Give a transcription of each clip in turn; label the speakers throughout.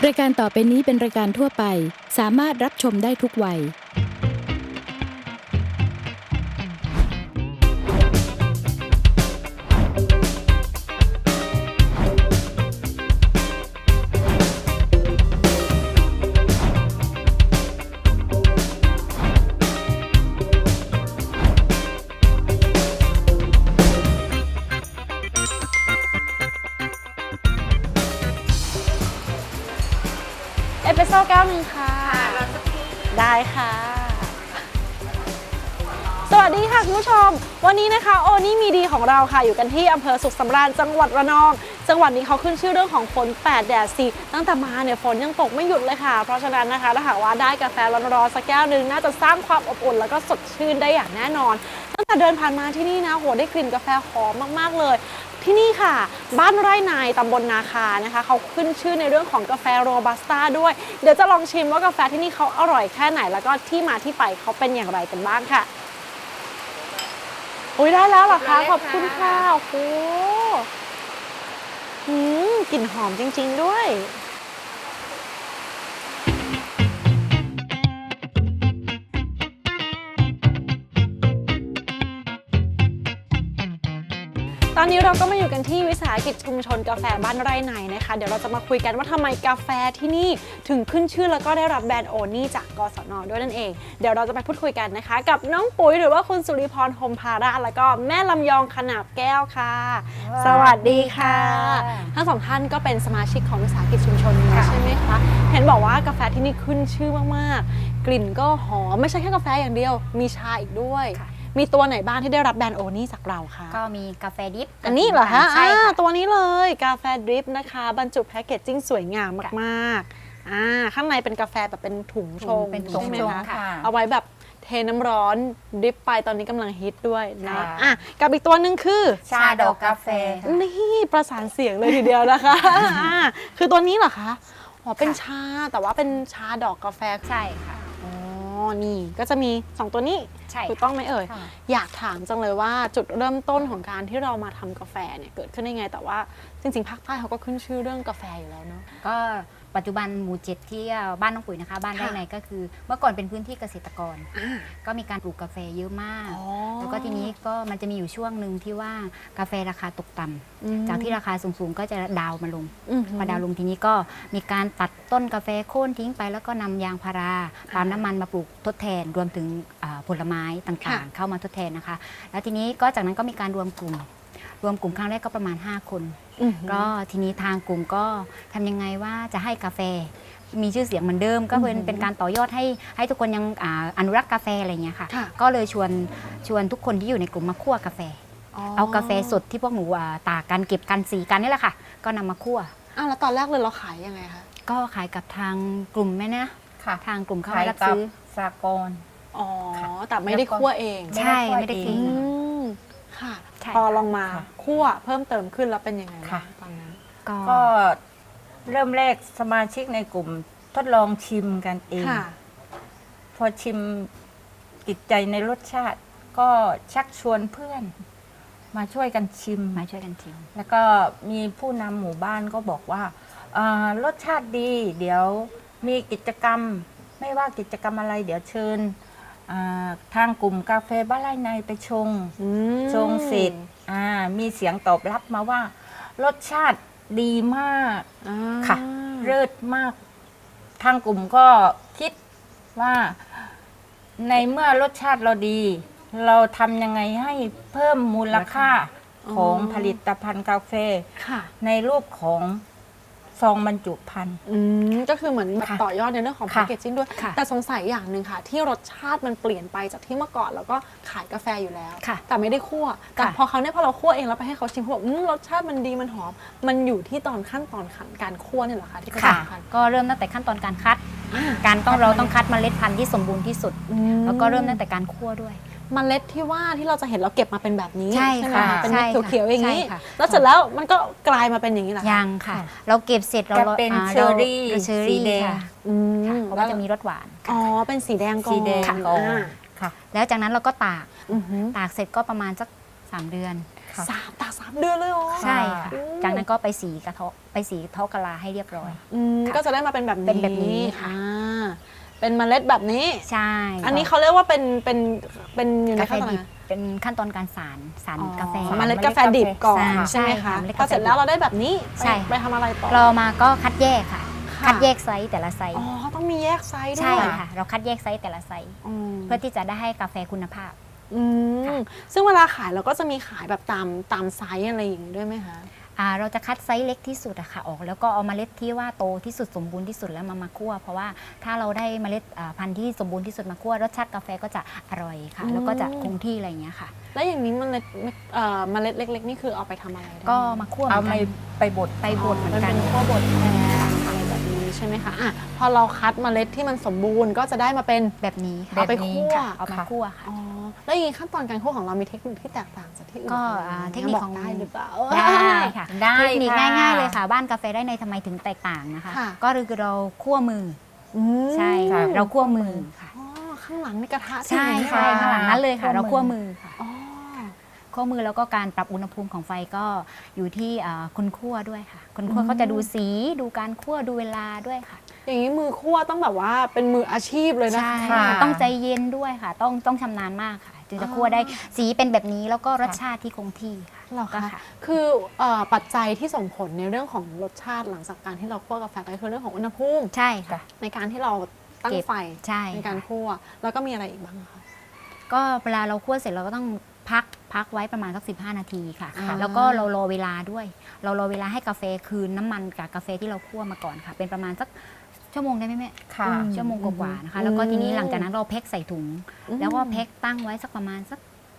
Speaker 1: รายการต่อไปนี้เป็นรายการทั่วไปสามารถรับชมได้ทุกวัย
Speaker 2: เอสเปรสโซ่แก้วหนึ่งค่ะ ได้ค่ะ สวัสดีค่ะคุณผู้ชม วันนี้นะคะโอนี่มีดีของเราค่ะอยู่กันที่อำเภอสุขสำราญจังหวัดระนอง จังหวัดนี้เขาขึ้นชื่อเรื่องของฝน8แดด4ตั้งแต่มาเนี่ยฝนยังตกไม่หยุดเลยค่ะ เพราะฉะนั้นนะคะถ้าหากว่าได้กาแฟร้อนๆสักแก้วหนึ่งน่าจะสร้างความอบอุ่นแล้วก็สดชื่นได้อย่างแน่นอน ตั้งแต่เดินผ่านมาที่นี่นะโหได้กลิ่นกาแฟหอมมากๆเลยที่นี่ค่ะบ้านไร่นายตำบลนาคานะคะเขาขึ้นชื่อในเรื่องของกาแฟโรบัสต้าด้วยเดี๋ยวจะลองชิมว่ากาแฟที่นี่เขาอร่อยแค่ไหนแล้วก็ที่มาที่ไปเขาเป็นอย่างไรกันบ้างค่ะอุ้ยได้แล้วเหรอคะขอบคุณค่ะโอ้โหกลิ่นหอมจริงๆด้วยตอนนี้เราก็มาอยู่กันที่วิสาหกิจชุมชนกาแฟบ้านไร่ในนะคะเดี๋ยวเราจะมาคุยกันว่าทำไมกาแฟที่นี่ถึงขึ้นชื่อแล้วก็ได้รับแบรนด์โอนี่จากกศน.ด้วยนั่นเองเดี๋ยวเราจะไปพูดคุยกันนะคะกับน้องปุ๋ยหรือว่าคุณสุริพร พรหมภาระแล้วก็แม่ลำยองขนาบแก้วค่ะสวัสดีค่ะทั้งสองท่านก็เป็นสมาชิกของวิสาหกิจชุมชนนี้ใช่ไหมคะเห็นบอกว่ากาแฟที่นี่ขึ้นชื่อมากๆกลิ่นก็หอมไม่ใช่แค่กาแฟอย่างเดียวมีชาอีกด้วยมีตัวไหนบ้างที่ได้รับแบรนด์โอนี่จากเราคะ
Speaker 3: ก็มีกาแฟดิฟ
Speaker 2: อันนี้เหรอคะ
Speaker 3: ใช่ค่ะ
Speaker 2: ตัวนี้เลยกาแฟดริปนะคะบรรจุแพคเกจจิ้งสวยงามมากๆข้างในเป็นกาแฟแบบเป็นถุงชงใช่ไหมคะเอาไว้แบบเทน้ำร้อนดริปไปตอนนี้กำลังฮิตด้วยนะกับอีกตัวหนึ่งคือ
Speaker 3: ชาดอกกาแฟ
Speaker 2: นี่ประสานเสียงเลยทีเดียวนะคะคือตัวนี้เหรอคะอ๋อเป็นชาแต่ว่าเป็นชาดอกกาแฟ
Speaker 3: ใช่ค่ะ
Speaker 2: นี่ก็จะมี2ตัวนี้ถูกต้องไหมเอ่ยอยากถามจังเลยว่าจุดเริ่มต้นของการที่เรามาทำกาแฟเนี่ยเกิดขึ้นได้ไงแต่ว่าจริงๆภาคใต้เขาก็ขึ้นชื่อเรื่องกาแฟอยู่แล้วเนาะ
Speaker 3: ก็ปัจจุบันหมู่7ที่บ้านน้องปุ๋ยนะคะบ้านไร่ในก็คือเมื่อก่อนเป็นพื้นที่เกษตรกรก็มีการปลูกกาแฟเยอะมากแล้วก็ทีนี้ก็มันจะมีอยู่ช่วงหนึ่งที่ว่ากาแฟราคาตกต่ำจากที่ราคาสูงๆก็จะดาวมาลงพอดาวลงทีนี้ก็มีการตัดต้นกาแฟโค่นทิ้งไปแล้วก็นำยางพาราปาล์มน้ำมันมาปลูกทดแทนรวมถึงผลไม้ต่างๆเข้ามาทดแทนนะคะแล้วทีนี้ก็จากนั้นก็มีการรวมกลุ่มครั้งแรกก็ประมาณ5คนก็ทีนี้ทางกลุ่มก็ทำยังไงว่าจะให้กาแฟมีชื่อเสียงเหมือนเดิมก็เป็นการต่อยอดให้ทุกคนยังอนุรักษ์กาแฟอะไรเงี้ยค่ะก็เลยชวนทุกคนที่อยู่ในกลุ่มมาคั่วกาแฟเอากาแฟสดที่พวกหนูตากกันเก็บกันสีกันนี่แหละค่ะก็นำมาคั่ว
Speaker 2: แล้วตอนแรกเลยเราขายยังไงคะ
Speaker 3: ก็ขายกับทางกลุ่มแม่นะทางกลุ่มเขารับซื้อ
Speaker 4: สากล
Speaker 2: แต่ไม่ได้คั่วเอง
Speaker 3: ใช่ไม่ได้กิน
Speaker 2: ค่ะพอลองมาคั่วเพิ่มเติมขึ้นแล้วเป็นยังไงตอนนั้น
Speaker 4: ก็เริ่มแรกสมาชิกในกลุ่มทดลองชิมกันเองพอชิมติดใจในรสชาติก็ชักชวนเพื่อนมาช่วยกันชิมแล้วก็มีผู้นำหมู่บ้านก็บอกว่ารสชาติดีเดี๋ยวมีกิจกรรมไม่ว่ากิจกรรมอะไรเดี๋ยวเชิญทางกลุ่มกาแฟบ้านไร่ในไปชงเสร็จมีเสียงตอบรับมาว่ารสชาติดีมากค่ะเลิศมากทางกลุ่มก็คิดว่าในเมื่อรสชาติเราดีเราทำยังไงให้เพิ่มมูลค่าของผลิตภัณฑ์กาแฟในรูปของซองบรรจุภัณฑ์
Speaker 2: ก็คือเหมือนต่อยอดในเรื่องของแพคเกจจิ้งด้วยแต่สงสัยอย่างหนึ่งค่ะที่รสชาติมันเปลี่ยนไปจากที่เมื่อก่อนแล้วก็ขายกาแฟอยู่แล้วแต่ไม่ได้คั่วแต่พอเราคั่วเองแล้วไปให้เขาชิมเขาบอกรสชาติมันดีมันหอมมันอยู่ที่ตอนขั้นตอนการคั่วนี่เหรอคะที่สำคัญ
Speaker 3: ก็เริ่มตั้งแต่ขั้นตอนการคัดเราต้องคัดเมล็ดพันธุ์ที่สมบูรณ์ที่สุดแล้วก็เริ่มตั้งแต่การคั่วด้วย
Speaker 2: เมล็ดที่ว่าที่เราจะเห็นเราเก็บมาเป็นแบบนี้
Speaker 3: ใช่ค่ะ
Speaker 2: เป็นเม็ดเขียวๆอย่างนี้แล้วเสร็จแล้วมันก็กลายมาเป็นอย่างนี้เหรอ
Speaker 3: ยังค่ะเราเก็บเสร็จเรา
Speaker 4: เป็นเชอร์รี่
Speaker 3: สีแดงเพราะว่าจะมีรสหวาน
Speaker 2: เป็นสีแดงก่อน
Speaker 3: แล้วจากนั้นเราก็ตากเสร็จก็ประมาณสัก3 เดือน
Speaker 4: ค่ะ
Speaker 2: ตาก3 เดือนเลยเหรอ
Speaker 3: ใช่ค่ะ
Speaker 2: อืม
Speaker 3: จากนั้นก็ไปสีกระเทาะไปสีเทากะลาให้เรียบร้อย ค่ะ
Speaker 2: ก็จะได้มาเป็นแบบนี้
Speaker 3: เป็นแบบนี้ค่ะ
Speaker 2: เป็นเมล็ดแบบนี้
Speaker 3: ใช่
Speaker 2: อันนี้เขาเรียกว่าเป็นอยู่ใน
Speaker 3: กาแฟ
Speaker 2: ขั้นตอน
Speaker 3: ดิ
Speaker 2: ไห
Speaker 3: บ
Speaker 2: น
Speaker 3: เป็นขั้นตอนการสารกาแฟ
Speaker 2: เมล็ดกาแฟดิบก่อน
Speaker 3: ใช่
Speaker 2: ใช่ไหมคะ
Speaker 3: ค่ะเมล็ด
Speaker 2: พ
Speaker 3: กา
Speaker 2: อ
Speaker 3: แฟ
Speaker 2: เสร็จแล้วเราได้แบบนี้
Speaker 3: ใช่
Speaker 2: ไปทำอะไรต่อ
Speaker 3: เรามาก็คัดแยกค่ะ
Speaker 2: ค่ะ
Speaker 3: คัดแยกไซส์แต่ละไซส์
Speaker 2: อ๋อต้องมีแยกไซส์ด้วย
Speaker 3: ใช่ค่ะ เราคัดแยกไซส์แต่ละไซส์
Speaker 2: อืม
Speaker 3: เพื่อที่จะได้ให้กาแฟคุณภาพ
Speaker 2: อืมซึ่งเวลาขายเราก็จะมีขายแบบตามไซส์อะไรอย่างนี้ด้วยไหมคะ
Speaker 3: เราจะคัดไซส์เล็กที่สุดอะค่ะออกแล้วก็เอาเมล็ดที่ว่าโตที่สุดสมบูรณ์ที่สุดแล้วมาคั่วเพราะว่าถ้าเราได้เมล็ดพันธุ์ที่สมบูรณ์ที่สุดมาคั่วรสชาติกาแฟก็จะอร่อยค่ะ แล้วก็จะคงที่อะไรอย่างเงี้ยค่ะ
Speaker 2: แล้วอย่างนี้เมล็ดเมล็ดเล็กๆนี่คือเอาไปทำอะไรได้
Speaker 3: ก็มาคั่วเห
Speaker 4: เอา
Speaker 3: มือน
Speaker 4: ไป
Speaker 3: กัน
Speaker 4: บด
Speaker 3: ไปบดเหมือน
Speaker 2: มัน
Speaker 3: กั
Speaker 2: เป็น นขั้วบดแทนอะไรแบบนี้ใช่ไหมคะอ่ะพอเราคัดเมล็ดที่มันสมบูรณ์ก็จะได้มาเป็น
Speaker 3: แบบนี้ค่ะ
Speaker 2: เอาไปคั่ว
Speaker 3: เอามาคั่วค่ะ
Speaker 2: อ๋อแล้วอย่างนี้ขั้นตอนการคั่วของเรามีเทคนิคที่แตกต่างจากที่อื่น
Speaker 3: ก็
Speaker 2: ไหม
Speaker 3: เทคนิคของ
Speaker 2: บกได้หรือเปล่า
Speaker 3: ได้ค่ะ
Speaker 4: ได้
Speaker 3: เทคนิค
Speaker 4: ค่ะ
Speaker 3: ง่ายๆเลยค่ะ บ้านกาแฟได้ในทำไมถึงแตกต่างนะคะ
Speaker 2: ค่ะ
Speaker 3: ก็คือเราคั่วมือ
Speaker 2: อืม
Speaker 3: ใช่ค่ะ เราคั่วมือค่ะ
Speaker 2: อ๋อข้างหลังมีกระทะ
Speaker 3: ใช่
Speaker 2: ไหม
Speaker 3: ใช่ข้างหลังนั้นเลยค่ะ เราคั่วมือค่ะ
Speaker 2: อ๋อ
Speaker 3: คั่วมือแล้วก็การปรับอุณหภูมิของไฟก็อยู่ที่คนคั่วด้วยค่ะ คนคั่วเขาจะดูสีดูการคั่วดูเวลาด้วยค่ะ
Speaker 2: อย่างนี้มือคั่วต้องแบบว่าเป็นมืออาชีพเลยนะ
Speaker 3: ใช่
Speaker 2: คะ
Speaker 3: ค่ะ
Speaker 4: ค่ะ
Speaker 3: ต้องใจเย็นด้วยค่ะ ต้องชำนาญมากค่ะ จึงจะคั่วได้สีเป็นแบบนี้แล้วก็รสชาติที่คงที่ค่ะ
Speaker 2: เหรอ
Speaker 3: ก็
Speaker 2: คะ
Speaker 3: ค่ะ
Speaker 2: คือปัจจัยที่ส่งผลในเรื่องของรสชาติหลังจากการที่เราคั่วกาแฟก็คือเรื่องของอุณหภูมิ
Speaker 3: ใช่ค่ะ
Speaker 2: ในการที่เราตั้ง
Speaker 3: เก็บ
Speaker 2: ไฟ
Speaker 3: ใช่
Speaker 2: ในการคั่วแล้วก็มีอะไรอีกบ้างคะ
Speaker 3: ก็เวลาเราคั่วเสร็จเราก็ต้องพักไว้ประมาณสัก15 นาทีค่ะ
Speaker 2: อ่า
Speaker 3: แล้วก็เรารอเวลาด้วย เรารอเวลาให้กาแฟคืนน้ำมันกับกาแฟที่เราคั่วมาก่อนค่ะ เป็นประมาณสักชั่วโมงได้ไหมแม่
Speaker 4: ค่ะ
Speaker 3: ชั่วโมงกว่าๆนะคะ แล้วก็ทีนี้หลังจากนั้นเราแพ็คใส่ถุง แล้วก็แพ็คตั้งไว้สักประมาณสัก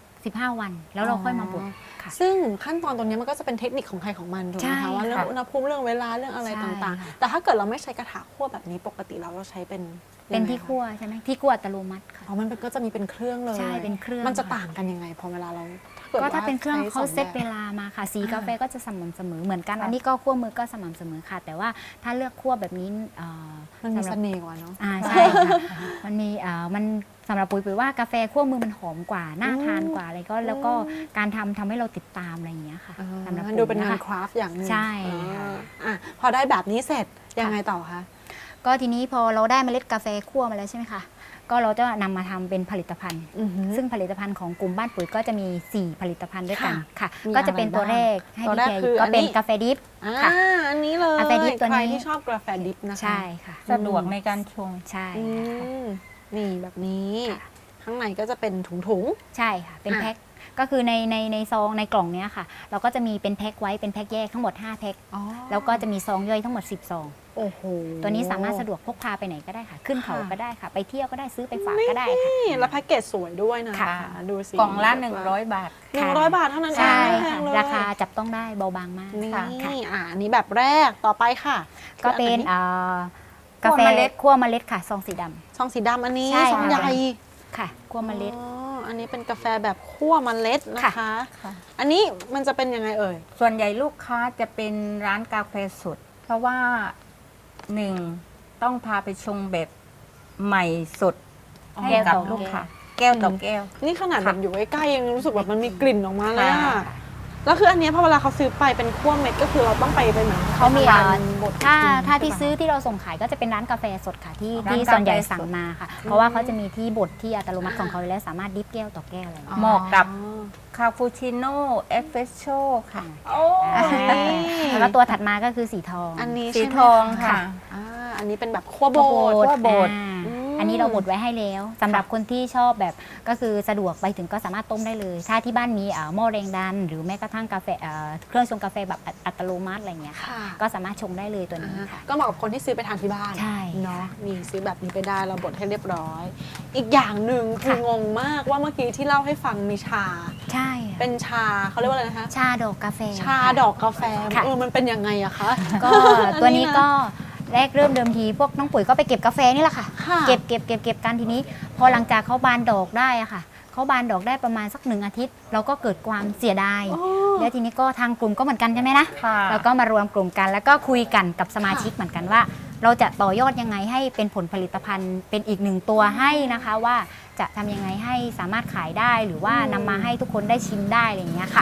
Speaker 3: 15 วัน แล้วเราค่อยมาบดค่ะ
Speaker 2: ซึ่งขั้นตอนตรงนี้มันก็จะเป็นเทคนิคของใครของมันถูกไหม
Speaker 3: ใช่
Speaker 2: คะว่าเรื่อง
Speaker 3: ค่ะ
Speaker 2: อุณหภูมิเรื่องเวลาเรื่องอะไร
Speaker 3: ใช่
Speaker 2: ต่าง
Speaker 3: ค่ะ
Speaker 2: ๆ แต่ถ้าเกิดเราไม่ใช้กระทะคั่วแบบนี้ปกติเราใช้เป็น
Speaker 3: เป็น
Speaker 2: ยังไง
Speaker 3: ที่
Speaker 2: คะ
Speaker 3: คั่วใช่ไหมที่คั่วอัตโนมัติค่ะ
Speaker 2: อ๋อมันก็จะมีเป็นเครื่องเลย
Speaker 3: ใช่เป็นเครื่อง
Speaker 2: มันจะ
Speaker 3: ค่ะ
Speaker 2: ต่างกันยังไงพอเวลาเรากิด
Speaker 3: ก็ถ้า
Speaker 2: ว่
Speaker 3: เป็นเครื่อง
Speaker 2: ใช้
Speaker 3: เขา
Speaker 2: ส
Speaker 3: เซต
Speaker 2: แบบ
Speaker 3: เวลามาค่ะ สี
Speaker 2: อ่าก
Speaker 3: าแฟก็จะสม่ำเสมอเหมือนกัน
Speaker 4: ค่ะ
Speaker 3: อันนี้ก็คั่วมือก็สม่ำเสมอค่ะ แต่ว่าถ้าเลือกคั่วแบบนี้
Speaker 2: มันมี
Speaker 3: สำหรับ
Speaker 2: เสน่ห์กว่าเนาะ
Speaker 3: ใช่ค่ะมันมีมันสำหรับปุ๋ยว่ากาแฟคั่วมือมันหอมกว่าน่าทานกว่าอะไรก็แล้วก็การทำให้เราติดตามอะไรอย่างเงี้ยค่ะสำหรับ
Speaker 2: มันดูเป็นงาน
Speaker 3: ปุ๋ยะ
Speaker 2: คราฟต์อย่างหนึง
Speaker 3: ใช่ค่ะ
Speaker 2: อ่ะพอได้แบบนี้เสร็จยังไงต่อคะ
Speaker 3: ก็ทีนี้พอเราได้เมล็ดกาแฟคั่วมาแล้วใช่ไหมคะก็เราจะนำมาทำเป็นผลิตภัณฑ์
Speaker 2: อือหือ
Speaker 3: ซึ่งผลิตภัณฑ์ของกลุ่มบ้านปุ๋ยก็จะมี 4 ผลิตภัณฑ์ด้วยกัน
Speaker 2: ค่ะ
Speaker 3: ค่ะ
Speaker 2: มี
Speaker 3: ก็จะเป็น
Speaker 2: อะไร
Speaker 3: ตัว
Speaker 2: บ้าง
Speaker 3: แรกให้
Speaker 2: ตัว
Speaker 3: พี่
Speaker 2: แรก
Speaker 3: แก
Speaker 2: คือ
Speaker 3: ก็เป็น
Speaker 2: อันนี้
Speaker 3: กาแฟดิฟ
Speaker 2: อ่าอันนี้เลย
Speaker 3: กาแฟดิบตัวนี้
Speaker 2: ใครที่ชอบกาแฟดิบนะคะ
Speaker 3: ใช่ค่ะ
Speaker 4: สะดวกในการชง
Speaker 3: ใช่
Speaker 2: อื
Speaker 3: ค่ะ
Speaker 2: มนี่แบบนี้
Speaker 3: ค่ะ
Speaker 2: ข้างในก็จะเป็นถุง
Speaker 3: ใช่ค่ะ เป็น
Speaker 2: อ่ะ
Speaker 3: แพ็คก็คือในซองในกล่องเนี้ยค่ะ เราก็จะมีเป็นแพ็คไว้เป็นแพ็คแยกทั้งหมด5แพ็ค
Speaker 2: อ๋อ
Speaker 3: แล้วก็จะมีซองย่อยทั้งหมด10ซอง
Speaker 2: โอ้โห
Speaker 3: ตัวนี้สามารถสะดวกพกพาไปไหนก็ได้ค่ะ ขึ้นเขาก็ได้ค่ะ ไปเที่ยวก็ได้ซื้อไปฝากก็ได้ค่ะ
Speaker 2: นี่แล้วแพ็กเกจสวยด้วยนะ
Speaker 3: ค่ะ
Speaker 2: ดูสิ
Speaker 4: กล่องละ100 บาท
Speaker 2: 100 บาทเท่านั้นเอง
Speaker 3: ใช่
Speaker 2: ไม่แพ
Speaker 3: ค่ะ
Speaker 2: งเลย
Speaker 3: ราคาจับต้องได้เบาบางมาก
Speaker 2: นี่
Speaker 3: ค่ะ
Speaker 2: อันนี้แบบแรกต่อไปค่ะ
Speaker 3: ก็เป็น
Speaker 2: คืออั
Speaker 3: กาแฟ
Speaker 4: คั่วเมล็ด
Speaker 3: คั่วเมล็ดค่ะซองสีดำ
Speaker 2: ซองสีดำอันนี้
Speaker 3: ใช่
Speaker 2: ซอง
Speaker 3: ค่ะ
Speaker 2: ใหญ่
Speaker 3: ค่ะคั่วเมล็ด
Speaker 2: อ๋ออันนี้เป็นกาแฟแบบคั่วเมล็ดนะคะ
Speaker 4: ค่ะ
Speaker 2: อันนี้มันจะเป็นยังไงเอ่ย
Speaker 4: ส่วนใหญ่ลูกค้าจะเป็นร้านกาแฟสด เพราะว่าหนึ่งต้องพาไปชงแบบใหม่สด
Speaker 2: อ๋อ
Speaker 4: ให้กับลูกค้าแก้วต่อแก้ว
Speaker 2: นี่ขนาด
Speaker 4: ค่ะ
Speaker 2: แบบอยู่ใกล้ๆยังรู้สึกแบบมันมีกลิ่นออกมาเลยอะ
Speaker 4: ค่ะ
Speaker 2: แล้วคืออันเนี้ยพอเวลาเขาซื้อไปเป็นคั่วเม็ดก็คือเราต้องไปเหมือน
Speaker 3: เขามี
Speaker 2: ทำงน
Speaker 3: บทถ้าที่ซื้อที่เราส่งขายก็จะเป็นร้านกาแฟสดค่ะที่
Speaker 4: ร้าน
Speaker 3: ที่
Speaker 4: กาแฟ
Speaker 3: ส่วนใหญ่สั่งมาค่ะ เพราะว่าเขาจะมีที่บดที่อัตโนมัติของเขาอยู่แล้วสามารถดิฟแก้วต่อแก้วอะไรอย่างเงี้ย
Speaker 4: เหมาะกับ คาปูชิโน่เอสเปรสโซ่ค่ะ
Speaker 2: โอ้ย
Speaker 3: แล้วก็ตัวถัดมาก็คือสีทอง
Speaker 2: อันนี้
Speaker 4: สี
Speaker 2: ใช่ไหม
Speaker 4: ทองค่ะ
Speaker 2: อ่าอันนี้เป็นแบบคั่วโบด
Speaker 4: คั่วบด
Speaker 3: อันนี้เราบดไว้ให้แล้วสำหรับคนที่ชอบแบบก็คือสะดวกไปถึงก็สามารถต้มได้เลย ถ้าที่บ้านมีหม้อแรงดัน หรือแม้กระทั่งกาแฟเครื่องชงกาแฟแบบอัตโนมัติอะไรอย่างเงี้ยค่ะ
Speaker 2: ค่ะ
Speaker 3: ก็สามารถชงได้เลยตัวนี้ค่ะ
Speaker 2: ก็เหมาะกับคนที่ซื้อไปทานที่บ้าน
Speaker 3: ใช่
Speaker 2: เนาะ
Speaker 3: ค่ะ
Speaker 2: มีซื้อแบบนี้ไปได้เราบดให้เรียบร้อย อีกอย่างหนึ่งคือ
Speaker 3: ค่ะ
Speaker 2: งงมากว่าเมื่อกี้ที่เล่าให้ฟังมีชา
Speaker 3: ใช่ค่ะ
Speaker 2: เป็นชาเขาเรียกว่าอะไรนะคะ
Speaker 3: ชาดอกกาแฟ
Speaker 2: ชาดอกกาแฟ
Speaker 3: ค่ะ
Speaker 2: มันเป็นยังไงอะคะ
Speaker 3: ก็ตัวนี้ก็แรกเริ่มเดิมทีพวกน้องปุ๋ยก็ไปเก็บกาแฟนี่แหละค่ะ
Speaker 2: ค่ะ
Speaker 3: เก็บกันทีนี้ พอหลังจากเขาบานดอกได้อะค่ะเขาบานดอกได้ประมาณสัก1 อาทิตย์ เราก็เกิดความเสียดาย
Speaker 2: โอ้
Speaker 3: แล้วทีนี้ก็ทางกลุ่มก็เหมือนกันใช่ไหมนะ
Speaker 4: ค่ะ
Speaker 3: เราก็มารวมกลุ่มกัน แล้วก็คุยกันกับสมาชิกเหมือนกันว่า เราจะต่อยอดยังไงให้เป็นผลผลิตภัณฑ์เป็นอีก1 ตัวให้นะคะว่าจะทำยังไงให้สามารถขายได้หรือว่านำมาให้ทุกคนได้ชิมได้อะไรอย่างเงี้ยค่ะ
Speaker 2: ค่ะ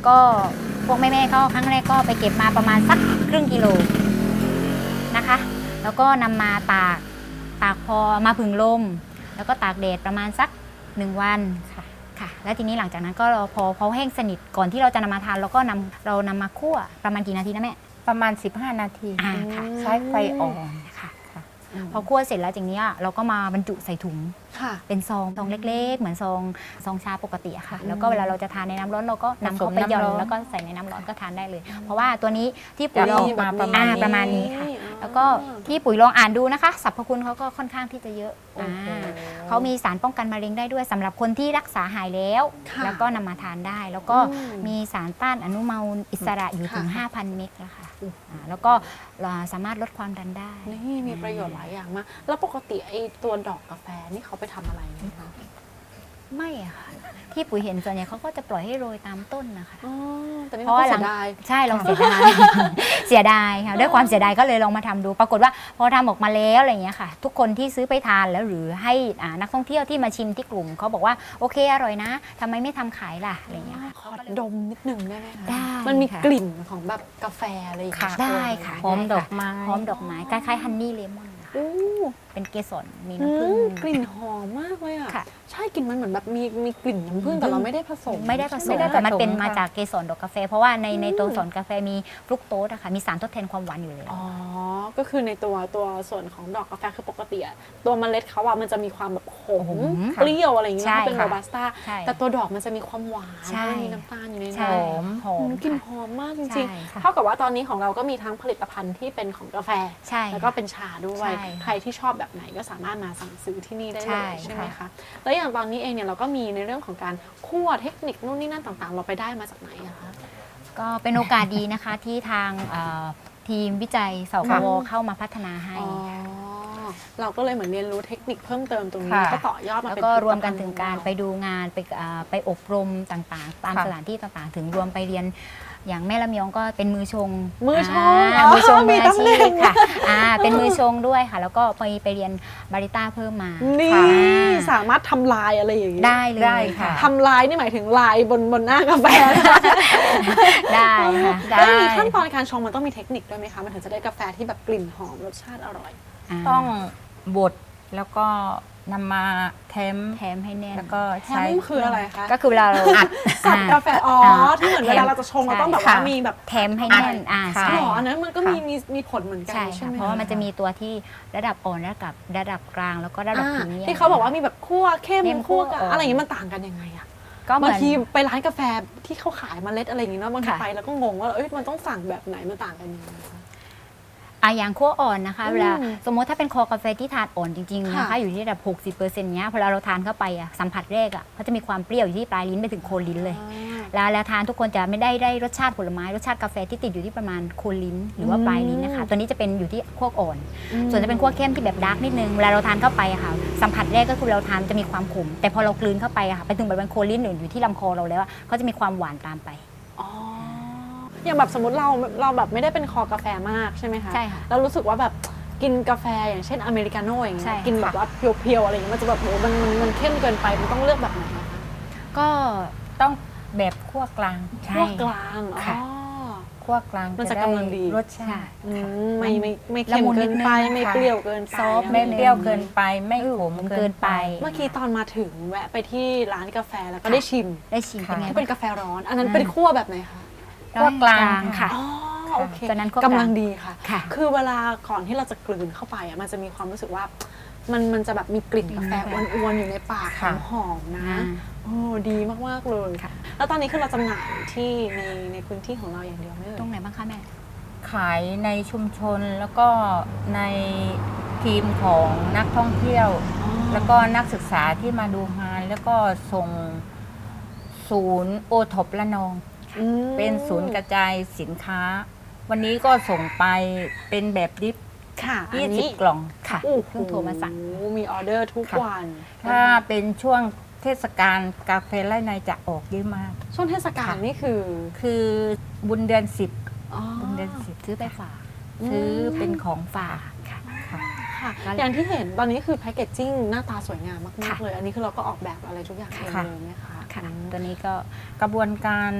Speaker 3: ก็พวกแม่ๆก็ครั้งแรกก็ไปเก็บมาประมาณสักครึ่งกิโลนะคะ แล้วก็นำมาตากพอมาผึ่งลมแล้วก็ตากแดดประมาณสัก1 วันค่ะแล้วทีนี้หลังจากนั้นก็พอเขาแห้งสนิทก่อนที่เราจะนำมาทานเราก็นำมาคั่วประมาณกี่นาทีนะแม่
Speaker 4: ประมาณ15 นาที
Speaker 3: ค่ะ
Speaker 4: ใช้ไฟอ่อน
Speaker 3: ค่ะพอคั่วเสร็จแล้วจากนี้เราก็มาบรรจุใส่ถุง
Speaker 2: ค่ะ
Speaker 3: เป็นซองเล็กๆ เหมือนซองชาปกติอะค่ะ แล้วก็เวลาเราจะทานในน้ำร้อนเราก็นำเข้าไปหย่อนแล้วก็ใส่ในน้ำร้อนก็ทานได้เลย เพราะว่าตัวนี้ที่ปุ๋ยลอง
Speaker 4: จะออกมาประมาณนี้
Speaker 3: ประมาณนี้ค่ะ แล้วก็ที่ปุ๋ยลองอ่านดูนะคะสรรพคุณเขาก็ค่อนข้างที่จะเยอะ
Speaker 2: โอ้โห
Speaker 3: เขามีสารป้องกันมะเร็งได้ด้วยสำหรับคนที่รักษาหายแล้ว
Speaker 2: ค่ะ
Speaker 3: แล้วก็นำมาทานได้ แล้วก็
Speaker 2: อืม
Speaker 3: มีสารต้านอนุมูลอิสระอยู่ถึง
Speaker 2: ค่ะ
Speaker 3: 5,000 เมกแล้วค่ะแล้วก็สามารถลดความดันได้
Speaker 2: นี่มีประโยชน์หลายอย่างมาก แล้วปกติไอ้ตัวดอกกาแฟนี่เขาไปทำอะไรไหมคะ
Speaker 3: ไม่อะค่ะ ที่ปุ๋ยเห็นส่วนใหญ่เขาก็จะปล่อยให้โรยตามต้นนะคะ
Speaker 2: อ๋อแต่นี่
Speaker 3: เพราะ
Speaker 2: เรา
Speaker 3: ว่า
Speaker 2: ก็เสียดาย
Speaker 3: ใช่ลองเสียดาย เสียดายค่ะด้วยความเสียดายก็เลยลองมาทำดู ปรากฏว่าพอทำออกมาแล้วอะไรอย่างเงี้ยค่ะ ทุกคนที่ซื้อไปทานแล้วหรือให้นักท่องเที่ยวที่มาชิมที่กลุ่มเขาบอกว่าโอเคอร่อยนะทำไมไม่ทำขายล่ะอะไรอย่างเงี้ยค่ะ
Speaker 2: ขอดมนิดนึงได้ไหมคะ
Speaker 3: ได้
Speaker 2: มันมี
Speaker 3: ค่ะ
Speaker 2: กลิ่นของแบบกาแฟอะไรอย่างเงี้ย
Speaker 3: ได้ค่ะ
Speaker 4: หอมดอกไม้
Speaker 3: หอมดอกไม้คล้ายๆฮันนี่เลมอน
Speaker 2: อู้
Speaker 3: เป็นเกสรมี
Speaker 2: อื
Speaker 3: น้ำผึ้ง
Speaker 2: มกลิ่นหอมมากเลยอ่ะ
Speaker 3: ค่ะ
Speaker 2: ใช่กลิ่นมันเหมือนแบบมีกลิ่นน้ำผึ้งแต่เราไม่ได้ผสม
Speaker 3: ไม่ได้ผสม
Speaker 4: ไม่ได้ผสม
Speaker 3: แต่มันเป็นมา
Speaker 4: ค่ะ
Speaker 3: จากเกสรดอกกาแฟ เพราะว่าในตัวสรกาแฟมีฟรุกโตสอะค่ะมีสารทดแทนความหวานอยู่แล้ว
Speaker 2: อ๋อ ก็คือในตัวส่วนของดอกกาแฟคือปกติอะตัวเมล็ดเขาอะมันจะมีความแบบขม
Speaker 3: ขม
Speaker 2: เปรี้ยวอะไรอย่างเงี้ย
Speaker 3: ใช่
Speaker 2: ถ้าเป็น
Speaker 3: ค่ะ
Speaker 2: โรบัสต้า
Speaker 3: ใช่
Speaker 2: แต่ตัวดอกมันจะมีความหวาน
Speaker 3: ใช่
Speaker 2: แล้วมีน้ำตาลอยู่ใน
Speaker 3: ใช่
Speaker 2: นั้น
Speaker 3: หอม
Speaker 2: กลิ่นห
Speaker 3: ค่ะ
Speaker 2: อมมากจ
Speaker 3: ใช่
Speaker 2: ริง
Speaker 3: ค่ะ
Speaker 2: ๆ เท่ากับว่าตอนนี้ของเราก็มีทั้งผลิตภัณฑ์ที่เป็นของกาแฟ
Speaker 3: ใช่
Speaker 2: แล้วก็เป็นชาด้วย
Speaker 3: ใช่ค่ะ
Speaker 2: ใครที่ชอบแบบไหนก็สามารถมาสั่งซื้อที่นี่ได้เลย
Speaker 3: ใช่
Speaker 2: ใช่ไหม
Speaker 3: ค่ะ
Speaker 2: คะ แล้วอย่างตอนนี้เองเนี่ยเราก็มีในเรื่องของการคั่วเทคนิคนู่นนี่นั่นต่างๆ เราไปได้มาจากไหนอะคะ
Speaker 3: ก็เป็นโอกาสดีนะคะที่ทางทีมวิจัยสว
Speaker 2: ค่ะ
Speaker 3: เข้ามาพัฒนาให้
Speaker 2: อ๋อ เราก็เลยเหมือนเรียนรู้เทคนิคเพิ่มเติมตรงนี้
Speaker 4: ค่ะ
Speaker 2: ก็ต่อยอดมา
Speaker 3: แล้ว
Speaker 2: เป็น
Speaker 3: ก็รวม
Speaker 2: ผลิต
Speaker 3: กั
Speaker 2: ภั
Speaker 3: น
Speaker 2: ณฑ์
Speaker 3: ถึงการ
Speaker 2: ของ
Speaker 3: ไป
Speaker 2: เ
Speaker 3: ดูงานไปอบรมต่างๆ ตาม
Speaker 4: ค่ะ
Speaker 3: สถานที่ต่างๆ ถึงรวมไปเรียนอย่างแม่ลำยองก็เป็นมือชง
Speaker 2: มือชง
Speaker 3: มือชง
Speaker 2: มี
Speaker 3: มืออา
Speaker 2: ตำแหน่
Speaker 3: ชีพ
Speaker 2: ง
Speaker 3: ค่ะเป็นมือชงด้วยค่ะ แล้วก็ไปเรียนบาริต้าเพิ่มมา
Speaker 2: นี่
Speaker 3: ค่ะ
Speaker 2: สามารถทำลายอะไรอย่างนี้
Speaker 3: ได้เลย
Speaker 4: ได้ค่ะ
Speaker 2: ทำลายนี่หมายถึงลายบนหน้ากาแฟ
Speaker 3: ได้ค่ะ
Speaker 2: แล้วอย่างนี้ขั้นตอนการชงมันต้องมีเทคนิคด้วยไหมคะ มันถึงจะได้กาแฟที่แบบกลิ่นหอมรสชาติอร่อย
Speaker 4: ต้องบดแล้วก็นำมาแถม
Speaker 3: แถมให้แน่น
Speaker 4: แล้วก็
Speaker 2: แฮ
Speaker 4: ใช้
Speaker 2: มคืออะไรคะ
Speaker 3: ก็คือเวลาเราอัด
Speaker 2: สับกาแฟ อ๋อ ที่เหมือนเวลาเราจะชงเราต้องแบบว่า
Speaker 3: ใช่
Speaker 2: มีแบบ
Speaker 3: แถมให้แน่น
Speaker 4: ค่ะ
Speaker 3: ใช่
Speaker 2: หรออันนั้นมันก็
Speaker 4: ค่ะ
Speaker 2: มีผลเหมือนกัน
Speaker 3: ใช่
Speaker 2: ใช่
Speaker 3: ค่ะ
Speaker 2: ไหม
Speaker 3: เพราะว่ามันจะมีตัวที่ระดับอ่อนระดับกลางแล้วก็ระดับพรีเมียม
Speaker 2: ที่เขาบอกว่ามีแบบคั่วเข้ม
Speaker 3: เข้ม
Speaker 2: คั่ว
Speaker 3: คั่วอ่อน
Speaker 2: อะไรอย่างนี้มันต่างกันยังไงอะ
Speaker 3: ก็เหมื
Speaker 2: บาง
Speaker 3: อน
Speaker 2: ทีไปร้านกาแฟที่เขาขายเมล็ดอะไรอย่างนี้เนาะบางที
Speaker 3: ค่ะ
Speaker 2: ไปแล้วก็งงว่าเอ้ยมันต้องสั่งแบบไหนมันต่างกันยังไงคะ
Speaker 3: อย่างคั่วอ่อนนะคะ
Speaker 2: อืม
Speaker 3: เวลาสมมติถ้าเป็นคอกาแฟที่ทานอ่อนจริงๆนะคะ
Speaker 2: ค่ะ
Speaker 3: อยู่ที่ระดับ 60%เนี้ยพอเราทานเข้าไปสัมผัสแรกเขาจะมีความเปรี้ยวอยู่ที่ปลายลิ้นไปถึงโคนลิ้นเลย แล้วทานทุกคนจะไม่ได้รสชาติผลไม้รสชาติกาแฟที่ติดอยู่ที่ประมาณโคนลิ้นหรือว่าปลายลิ้นนะคะตัวนี้จะเป็นอยู่ที่คั่วอ่อน ส่วนจะเป็นคั่วเข้มที่แบบดาร์กนิดนึงเวลาเราทานเข้าไปค่ะสัมผัสแรกก็คือเราทานจะมีความขมแต่พอเรากลืนเข้าไปไปถึงบริเวณโคนลิ้นหรืออยู่ที่ลำคอเราแล้วก็จะมีความหวานตามไป
Speaker 2: อ๋ออย่างแบบสมมติเราแบบไม่ได้เป็นคอกาแฟมากใช่ไหมคะ
Speaker 3: ใช่ค่ะ
Speaker 2: แล้วรู้สึกว่าแบบกินกาแฟอย่างเช่นอเมริกาโน่อย่างเงี้
Speaker 3: ใช่
Speaker 2: ยกินแบบว่าเพียวๆอะไรอย่างเงี้ยมันจะแบบโหมันเข้มเกินไปมันต้องเลือกแบบไหนอะคะ
Speaker 3: ก็
Speaker 4: ต้องแบบคั่วกลาง
Speaker 2: คั่วกลางอ๋
Speaker 3: ค่ะ
Speaker 2: อ
Speaker 4: คั่วกลาง
Speaker 2: มันจะ
Speaker 4: ได้
Speaker 2: กำลังดี
Speaker 4: รสชาติ
Speaker 2: อืมไม่
Speaker 3: ละ
Speaker 2: เข้ม
Speaker 3: มุน
Speaker 2: เกินไป
Speaker 3: นิดนึง
Speaker 2: ไม่
Speaker 4: ค่ะ
Speaker 2: เปรี้ยวเกินไป
Speaker 3: ซอฟต์
Speaker 2: ะ
Speaker 4: ไม่
Speaker 2: ร
Speaker 4: เปรี้ยวเกินไปไม่ขม
Speaker 3: เกินไป
Speaker 2: เมื่อกี้ตอนมาถึงแวะไปที่ร้านกาแฟแล้วก็ได้ชิม
Speaker 3: ได้ชิมเป็นไง
Speaker 2: ที่เป็นกาแฟร้อน อันนั้นเป็นคั่วแบบไหนคะ
Speaker 4: คั่วกลาง
Speaker 3: ค่ะ
Speaker 2: อ๋อโอเค
Speaker 3: ตอนนั้นคั่วกลาง
Speaker 2: กำลังดีค่ะ
Speaker 3: ค่ะ
Speaker 2: คือเวลาก่อนที่เราจะกลืนเข้าไปอ่ะมันจะมีความรู้สึกว่ามันจะแบบมีกลิ่นกาแฟอ้วนๆอยู่ในปาก
Speaker 4: ค่ะ
Speaker 2: หอมๆนะโอ้ดีมากๆเลย
Speaker 3: ค่ะ
Speaker 2: แล้วตอนนี้คือเราจำหน่ายที่ในพื้นที่ของเราอย่างเดียวไม่เอ่ย
Speaker 3: ตรงไหนบ้างคะแม่
Speaker 4: ขายในชุมชนแล้วก็ในทีมของนักท่องเที่ยว แล้วก็นักศึกษาที่มาดูงานแล้วก็ส่งศูนย์โอท็อประนอง
Speaker 2: อืม
Speaker 4: เป็นศูนย์กระจายสินค้า วันนี้ก็ส่งไปเป็นแบบดิฟ
Speaker 2: ค่ะอันนี้
Speaker 4: 20 กล่อง
Speaker 3: ค่ะ
Speaker 2: โอ้โห
Speaker 3: เพิ่งโทรมาสั่ง
Speaker 2: มีออเดอร์ทุก
Speaker 4: ค่ะ
Speaker 2: วัน
Speaker 4: ถ้าเป็นช่วงเทศกาลกาแฟไร่ในจะออกเยอะมาก
Speaker 2: ช่วงเทศกาลนี่คือ
Speaker 4: คือบุญเดือน
Speaker 2: อ๋อ
Speaker 4: 10บุญเดือน
Speaker 3: ซื้อไปฝาก
Speaker 4: 10ซื้อเป็นของฝาก
Speaker 3: ค่ะ
Speaker 4: ค่ะ
Speaker 2: ค่ะ
Speaker 3: ก็
Speaker 2: อย่างที่เห็นตอนนี้คือแพคเกจจิ้งหน้าตาสวยงามมาก
Speaker 3: ค่ะ
Speaker 2: ๆเลย อันนี้คือเราก็ออกแบบอะไรทุกอย่างเอง
Speaker 4: ค่ะ
Speaker 2: เลยไหมคะ
Speaker 3: ค่ะ ตัวนี้ก็
Speaker 4: กระบวนการ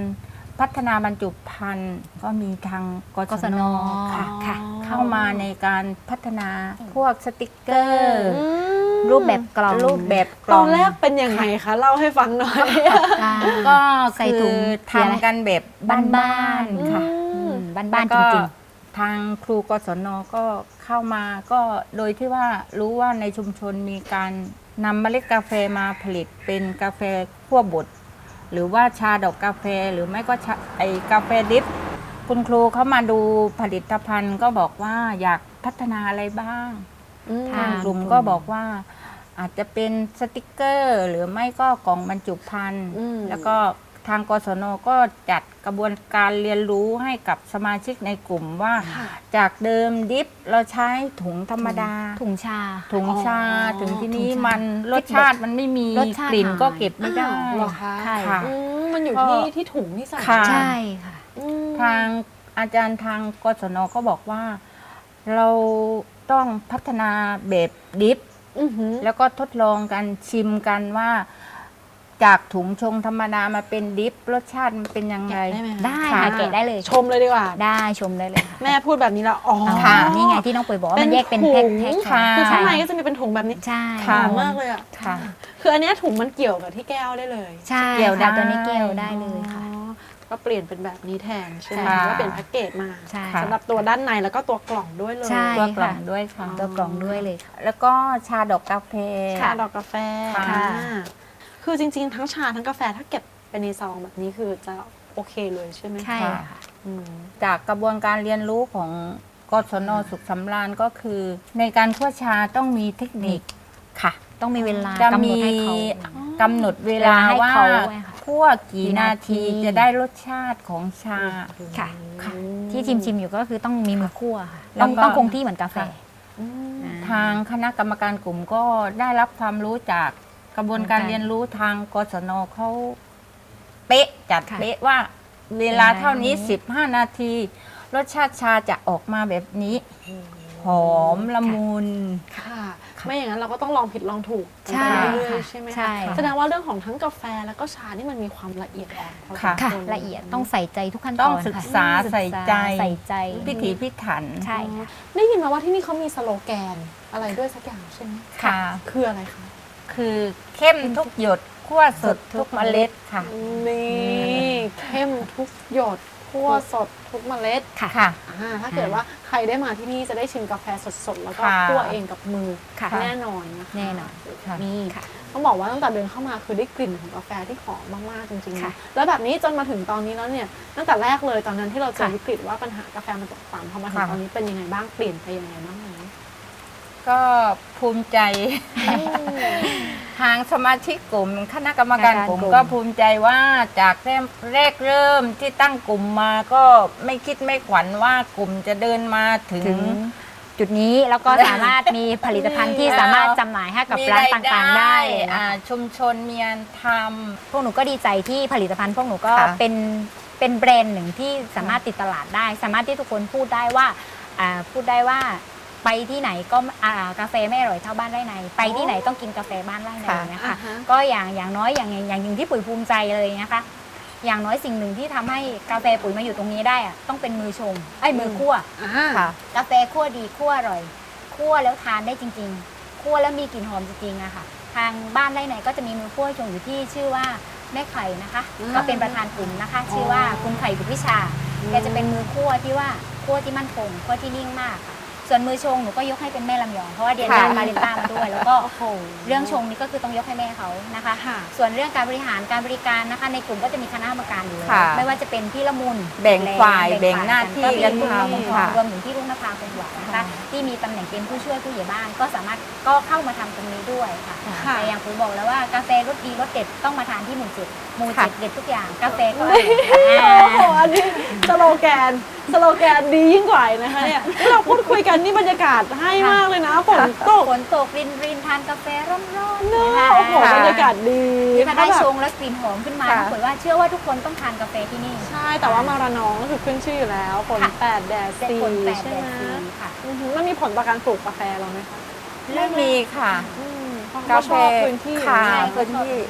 Speaker 4: พัฒนาบรรจุภัณฑ์ก็มีทางก
Speaker 3: ก
Speaker 4: ศ
Speaker 3: ศ
Speaker 4: น
Speaker 3: น
Speaker 4: ค่ะ
Speaker 3: ค่ะ
Speaker 4: เข้ามาในการพัฒนาพวกสติกเกอร์
Speaker 3: รูปแบบกล่อง
Speaker 4: รูปแบบก
Speaker 2: ต
Speaker 4: ล่
Speaker 2: อ
Speaker 4: อน ง
Speaker 2: แรกเป็นยังไงคะเล่าให้ฟังหน่อย
Speaker 3: ค่ะ
Speaker 4: ก็
Speaker 3: ใส่
Speaker 4: คื
Speaker 3: ถุ
Speaker 4: อง
Speaker 3: สีอะไร
Speaker 4: ทำกันแบบบ้านๆค่ะ
Speaker 3: บ้านๆจริง
Speaker 4: ทางครูกศนก็เข้ามาก็โดยที่ว่ารู้ว่าในชุมชนมีการนำเมล็ดกาแฟมาผลิตเป็นกาแฟคั่วบดหรือว่าชาดอกกาแฟหรือไม่ก็ชาไอกาแฟดริฟคุณครูเขามาดูผลิตภัณฑ์ก็บอกว่าอยากพัฒนาอะไรบ้าง ทางกลุ่มก็บอกว่าอาจจะเป็นสติกเกอร์ หรือไม่ก็กล่องบรรจุภัณฑ์แล้วก็ทางกศนก็จัดกระบวนการเรียนรู้ให้กับสมาชิกในกลุ่มว่า จากเดิมดิฟเราใช้ถุงธรรมดา
Speaker 3: ๆ ถุงชา
Speaker 4: ถุงชา
Speaker 2: อ๋อ
Speaker 4: ถึงที่นี้
Speaker 3: ถุงชา
Speaker 4: มันรสชาติมันไม่มี
Speaker 3: รสชาติ
Speaker 4: กลิ่น
Speaker 3: หาย
Speaker 4: ก็เก็บไม่ได้
Speaker 2: อ้าวเหรอคะ
Speaker 3: ใช่
Speaker 4: ค่ะ
Speaker 2: มันอยู่ที่ถุงที่ใส่
Speaker 4: ค่ะ
Speaker 3: ใช่ค่ะ
Speaker 2: อืม
Speaker 4: ทางอาจารย์ทางกศนก็บอกว่า เราต้องพัฒนาแบบดิฟ
Speaker 2: อือหือ
Speaker 4: แล้วก็ทดลองกันชิมกันว่า จากถุงชงธรรมดามาเป็นดิฟรสชาติมันเป็นยังไง
Speaker 2: แกะได้ไหมคะ
Speaker 3: ได้
Speaker 4: ค่ะ
Speaker 3: ค่ะแกะได้เลย
Speaker 2: ชมเลยดีกว่า
Speaker 3: ได้ชมได้เลยค่ะ
Speaker 2: แม่พูดแบบนี้แล้วอ๋อ
Speaker 4: ค่ะ
Speaker 3: นี่ไงที่น้องปุ๋ยบอกว่ามันแยกเป็นแพ็ค
Speaker 2: ถุง
Speaker 3: ค่ะ
Speaker 2: คือข้างใน
Speaker 3: ใช่
Speaker 2: ก็จะมีเป็นถุงแบบนี้
Speaker 3: ใช่
Speaker 2: หอมมากเลยอ่ะ
Speaker 4: ค่ะ
Speaker 2: คืออันเนี้ยถุงมันเกี่ยวกับที่แก้วได้เลย
Speaker 3: ใช่
Speaker 4: เกี่ยวได้
Speaker 3: ค่ะตัวนี้เกี่ยวได้เลยค่ะ
Speaker 2: อ๋อก็เปลี่ยนเป็นแบบนี้แทนใช่ไหม
Speaker 3: ค่ะ
Speaker 2: ว่าเป็นแพ็กเกจมา
Speaker 3: ใช่
Speaker 2: สำหรับตัวด้านในแล้วก็ตัวกล่องด้วยเลย
Speaker 3: ใช่
Speaker 4: ตัวกล่อง
Speaker 3: ค่ะ
Speaker 4: ด้วยค่ะ
Speaker 3: ตัวกล่องด้วยเลยค่ะ
Speaker 4: แล้วก็ชาดอกกาแฟ
Speaker 2: ชาดอกกาแฟ
Speaker 4: ค่ะ
Speaker 2: คือจริงๆ ทั้งชาทั้งกาแฟถ้าเก็บเป็นในซองแบบนี้คือจะโอเคเลยใช่ไหม
Speaker 3: ใช่
Speaker 4: ค่ะ
Speaker 3: ค่ะ
Speaker 2: อืม
Speaker 4: จากกระบวนการเรียนรู้ของกศนสุขสำราญก็คือ ในการคั่วชาต้องมีเทคนิคค่ะ
Speaker 3: ต้องมีเวลา
Speaker 4: จะ
Speaker 3: กำหน
Speaker 4: มี
Speaker 3: ดให้เขา
Speaker 4: กำหนดเวลา
Speaker 3: ให้
Speaker 4: ว่า
Speaker 3: เขาไว้ค่ะ
Speaker 4: คั่วกี่นาที
Speaker 3: กี่นาที
Speaker 4: จะได้รสชาติของชา
Speaker 3: ค่ะ
Speaker 4: ค่ะ
Speaker 3: ที่ชิมอยู่ก็คือต้องมีมือคั่วค่ะ
Speaker 4: แล้วก็
Speaker 3: ต้องคงที่เหมือนกาแฟ
Speaker 4: ค่ะ
Speaker 2: อืม
Speaker 3: อ่า
Speaker 4: ทางคณะกรรมการกลุ่มก็ได้รับความรู้จากกระบวนการเรียนรู้ทางกศนเขาเป๊ะจัด
Speaker 3: ค่ะ
Speaker 4: เป๊ะว่า เวลาเท่านี้
Speaker 3: เวลานี้
Speaker 4: 15 นาที รสชาติชาจะออกมาแบบนี้ หอมละมุน
Speaker 2: ค่ะ ไม่อย่างนั้นเราก็ต้องลองผิดลองถูกกัน
Speaker 3: ใช่
Speaker 2: ไปเรื่อย
Speaker 3: ค่ะ
Speaker 2: ๆใช่ไหม
Speaker 3: ใช่
Speaker 2: คะแสดงว่าเรื่องของทั้งกาแฟแล้วก็ชานี่มันมีความละเอียดอ่อนพอสม
Speaker 4: ค่ะ
Speaker 3: ค่ะ
Speaker 2: ควร
Speaker 3: ละเอียดต้องใส่ใจทุกขั้นต
Speaker 4: ต้
Speaker 3: อ
Speaker 4: อง
Speaker 3: น
Speaker 4: ศึก
Speaker 3: ค่ะ
Speaker 4: ษาใส่ใจ
Speaker 3: ใส่ใจ
Speaker 4: พิถีพิถัน
Speaker 3: ใช่ค่ะ
Speaker 2: ได้ยินมาว่าที่นี่เขามีสโลแกนอะไรด้วยสักอย่างใช่ไหม
Speaker 4: ค่ะ
Speaker 2: คืออะไรคะ
Speaker 4: คือเข้มทุกหยดคั่วสดทุกเมล็ดค่ะ
Speaker 2: นี่เข้มทุกหยดคั่วสดทุกเมล็ด
Speaker 3: ค่ะ
Speaker 4: ค่ะ
Speaker 2: ถ้าเกิดว่าใครได้มาที่นี่จะได้ชิมกาแฟสดๆ แล้วก็
Speaker 4: ค่ะ
Speaker 2: คั่วเองกับมือ
Speaker 3: ค่ะ
Speaker 2: แน่นอนนะคะ
Speaker 3: แน่นอน
Speaker 4: ค่ะ
Speaker 2: นี่
Speaker 3: ค่ะ
Speaker 2: ต้องบอกว่าตั้งแต่เดินเข้ามาคือได้กลิ่นของกาแฟที่หอมมากๆจริงๆ
Speaker 3: ค่ะ
Speaker 2: นะแล้วแบบนี้จนมาถึงตอนนี้แล้วเนี่ยตั้งแต่แรกเลยตอนนั้นที่เราเจอ
Speaker 3: ค่ะ
Speaker 2: วิกฤตว่าปัญหากาแฟมันตกต่ำพอมาถึง
Speaker 4: ค่ะ
Speaker 2: ตอนนี้เป็นยังไงบ้างเปลี่ยนไปยังไงบ้างไหม
Speaker 4: ก็ภูมิใจ ทางสมาชิกกลุ่มคณะกรรมการกลุ่ม
Speaker 3: กลุ่ม
Speaker 4: ก็ภูมิใจว่าจากแรกเริ่มที่ตั้งกลุ่มมาก็ไม่คิดไม่ขวัญว่ากลุ่มจะเดินมาถึ
Speaker 3: ถึ
Speaker 4: ง
Speaker 3: งจุดนี้แล้วก็สามารถมีผลิตภัณฑ์ที่สามารถจำหน่ายให้กับร้านต่างๆได้เลยนะคะ
Speaker 4: ชุมชนมีงานท
Speaker 3: พวกหนูก็ดีใจที่ผลิตภัณฑ์พวกหนูก็
Speaker 4: ค่ะ
Speaker 3: เป็นแบรนด์หนึ่งที่สามารถติดตลาดได้ สามารถที่ทุกคนพูดได้ว่าไปที่ไหนก็กาแฟไม่อร่อยเท่าบ้านไร่ในไปที่ไหนต้องกินกาแฟบ้านไร่ใน
Speaker 4: ค่ะ
Speaker 3: นะคะ
Speaker 2: อ่าฮะ
Speaker 3: ก็อย่างน้อยอย่างหนึ่งที่ปุ๋ยภูมิใจเลยนะคะ อย่างน้อยสิ่งหนึ่งที่ทำให้กาแฟปุ๋ยมาอยู่ตรงนี้ได้อะต้องเป็นมือชงมือคั่ว
Speaker 4: ำค่ะ
Speaker 3: กาแฟคั่วดีคั่วอร่อยคั่วแล้วทานได้จริงๆคั่วแล้วมีกลิ่นหอมจริงๆอะค่ะ ทางบ้านไร่ไหนก็จะมีมือคั่วชงอยู่ที่ชื่อว่าแม่ไข่นะคะ
Speaker 2: อืม
Speaker 3: ก็เป็นประธานกลุ่มนะคะ ชื่อว่าคุณไข่บุตรวิชาแกจะเป็นมือคั่วที่ว่าคั่วที่มั่นคงคั่วที่นิ่งมากค่ะส่วนมือชงหนูก็ยกให้เป็นแม่ลำยองเพราะว่าเรียนด้าน
Speaker 4: ค่ะ
Speaker 3: บาริสต้ามาด้วย แล้วก็
Speaker 2: โอ้โห
Speaker 3: เรื่องชงนี่ก็คือต้องยกให้แม่เขานะคะ
Speaker 2: ค่ะ
Speaker 3: ส่วนเรื่องการบริหารการบริการนะคะ ในกลุ่มก็จะมีคณะกรรมการอยู่แล้ว
Speaker 4: ค่ะ
Speaker 3: ไม่ว่าจะเป็นพี่ละมุน
Speaker 4: แบ่งฝ่าย
Speaker 3: แบ่
Speaker 4: แบ่งหน้าที่
Speaker 3: ก็มี
Speaker 4: กัน
Speaker 3: คุณลุง
Speaker 4: ทำค่ะ
Speaker 3: รวมถึงที่รุ่งนภาคงหวังนะคะ ที่มีตำแหน่งเป็นผู้ช่วยผู้ใหญ่บ้านก็สามารถก็เข้ามาทำตรงนี้ด้วยค่ะ
Speaker 2: ค่ะ
Speaker 3: แต่อย่างปุ๋ยบอกแล้วว่ากาแฟรสดีรสเด็ดต้องมาทานที่หมู่เจ็ดหมู่
Speaker 4: ค่ะ
Speaker 3: เจ็ดเด็ดทุกอย่างกาแฟก็อ
Speaker 2: โอ้
Speaker 3: ร่อย
Speaker 2: โหอันนี้สโลแกนดียิ่งกว่าอีกนะคะเนี่ยที่เราพูดคุยกันนี่บรรยากาศให้มากเลยนะฝนตก
Speaker 3: ฝนตกรินทานกาแฟร้อนๆ
Speaker 2: เนอะ
Speaker 3: นะคะ
Speaker 2: โอ้โหบรรยากาศดี
Speaker 3: ถ้าได้
Speaker 2: แบบ
Speaker 3: ชงแล้วกลิ่นหอมขึ้นมา
Speaker 4: ค่ะ
Speaker 3: ปุ๋ยว่าเชื่อว่าทุกคนต้องทานกาแฟที่นี่
Speaker 2: ใช่แต่ว่ามาระนองก็คือขึ้นชื่ออยู่แล้วฝน
Speaker 3: ค่ะ
Speaker 2: 8แดด
Speaker 3: เป็น
Speaker 2: 4
Speaker 3: คนแปด
Speaker 2: ใช่
Speaker 3: แด
Speaker 2: ไหม
Speaker 3: ดสีค่ะ
Speaker 2: อือหือมันมีผลต่อการปลูกกาแฟเราไหมคะ
Speaker 4: ไม่มีค่ะ
Speaker 2: เพราะ
Speaker 4: กา
Speaker 2: เขา
Speaker 4: แฟ
Speaker 2: ชอบพื้นที่
Speaker 4: ค่ะ
Speaker 3: ใช่
Speaker 4: พื้นที่
Speaker 3: ค่ะ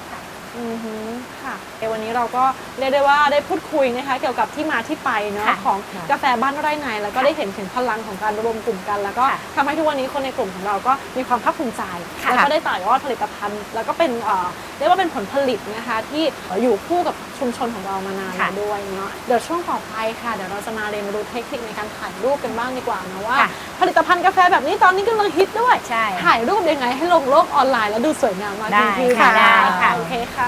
Speaker 2: ค่ะวันนี้เราก็เรียกได้ว่าได้พูดคุยนะคะเกี่ยวกับที่มาที่ไปเนาะของกาแฟบ้านไร่ในแล้วก็ได้เห็นถึงพลังของการรวมกลุ่มกันแล้วก็ทำให้ทุกวันนี้คนในกลุ่มของเราก็มีความภาคภูมิใจแล้วก็ได้ต่อยอดผลิตภัณฑ์แล้วก็เป็นเรียกว่าเป็นผลผลิตนะคะที่อยู่คู่กับชุมชนของเรามานานแล้วด้วยเนาะเดี๋ยวช่วงต่อไปค่ะเดี๋ยวเราจะมาเรียนรู้เทคนิคในการถ่ายรูปกันบ้างดีกว่านะว่าผลิตภัณฑ์กาแฟแบบนี้ตอนนี้กำลังฮิตด้วยถ่ายรูปยังไงให้ลงโลกออนไลน์แล้วดูสวยงามมากยิ่งขึ้นได้ค่ะโอเคค่ะ